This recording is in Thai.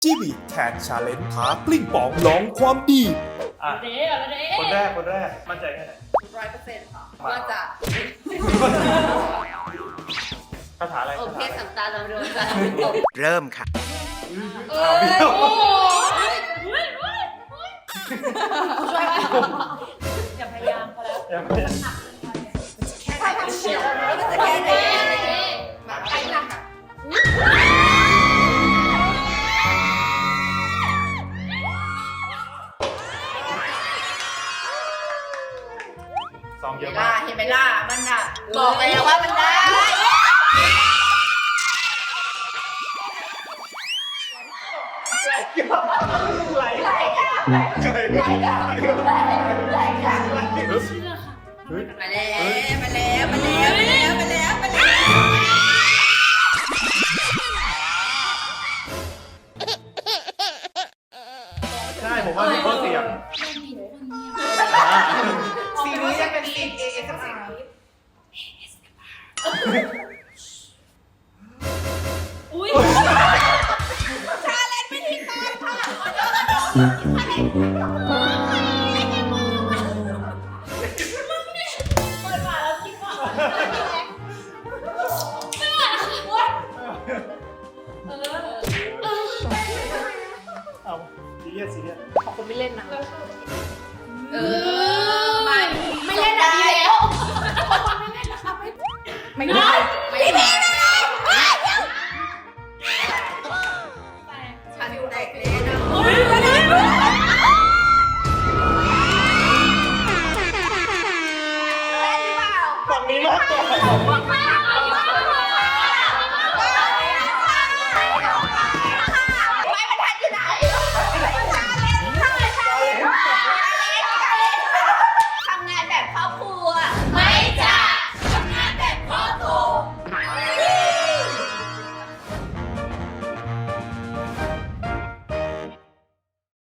จีบีแคทชาเลนจ์ท้ากลิ้งปองลองความดีอ่ะเด้อเด้คนแรกมั่นใจแค่ไหน 100%ค่ะว่าจะคาถาอะไรโอคาเคถาอะไรสัมตาเราโดนจะเริ่มค่ะอ้าวเบี้ยวโอ้ยช่วยอย่าพยายามพอแล้วยังไม่ได้แค่ทำเชียวจะแค่ไหนมาไปหนักอ่ะซองเยเห็อะนไหมมากล่ะเห็นไหมล่ะมันอ่ะบอกไปแล้วว่ามันได้ไหลไหลเฮ้ยมาแล้วมาแล้วใช่ผมว่ามีข้อเสียงสีนี้จะเป็นสีเอกับสีนี้อุ้ยชาเลนจ์ไม่ทิ้งกันค่ะเปิดมาแล้วคิดว่าไม่ไหวแล้วค่ะว้าเอาซีเรียสคนไม่เล่นนะไม่เล่นได้แล้วไม่ได้ฉันอยู่แตกเลยนะ